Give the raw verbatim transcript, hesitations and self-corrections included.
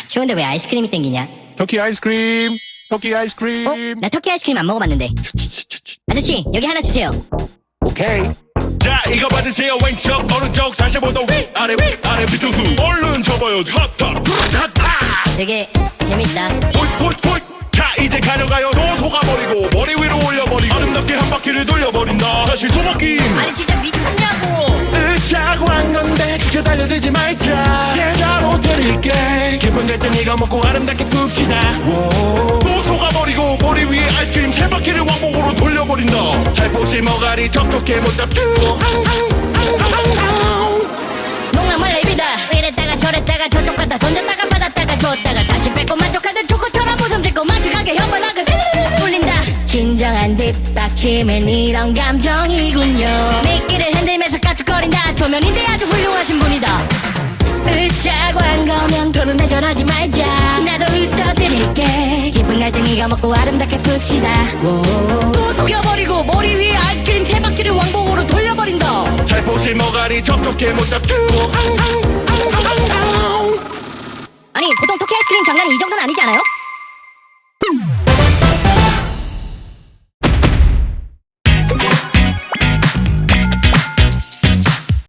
추운데 왜 아이스크림이 땡기냐? 터키 아이스크림, 터키 아이스크림. 어? 나 터키 아이스크림 안 먹어봤는데. 아저씨 여기 하나 주세요. 오케이. 자 이거 받으세요. 왼쪽 오른쪽 사십오 도 위 아래 위 아래 뒤통수 얼른 접어요. 핫핫 핫핫 되게 재밌다. 폴폴폴. 자 이제 가져가요. 또 속아버리고 머리 위로 올려버리고 아름답게 한 바퀴를 돌려버린다. 사실 소모낌 아니 진짜 미쳤냐고. 으쌰고 한 건데 지켜 달려들지 말자. 계좌로 드릴게. 깊은 갈등 이거 먹고 아름답게 풉시다. 오. 또 속아버리고 머리 위에 아이스크림 세 바퀴를 왕복으로 돌려버린다. 살포시 머가리 촉촉해 못 잡죠. 농락물 랩이다. 이랬다가 저랬다가 저쪽 갔다 던졌다가 받았다가 줬다가 다시 뺏고 만족하던 초코처럼 웃음 짓고 마지막에 혓바닥을 울린다. 진정한 뒷받침은 이런 감정이군요. 미끼를 흔들면서 까쭉거린다. 초면인데 아주 훌륭하신 분이다. 으짜고 한 거면 더는 내절하지 말자. 나도 웃어드릴게. 깊은 갈등 이거 먹고 아름답게 풉시다. 오. 또 속여버리고 머리 위에 아이스크림 세 바퀴를 왕복으로 돌려버린다. 살포시 머가리 촉촉해 못 잡죠. 아니 보통 터키 아이스크림 장난이 이 정도는 아니지 않아요?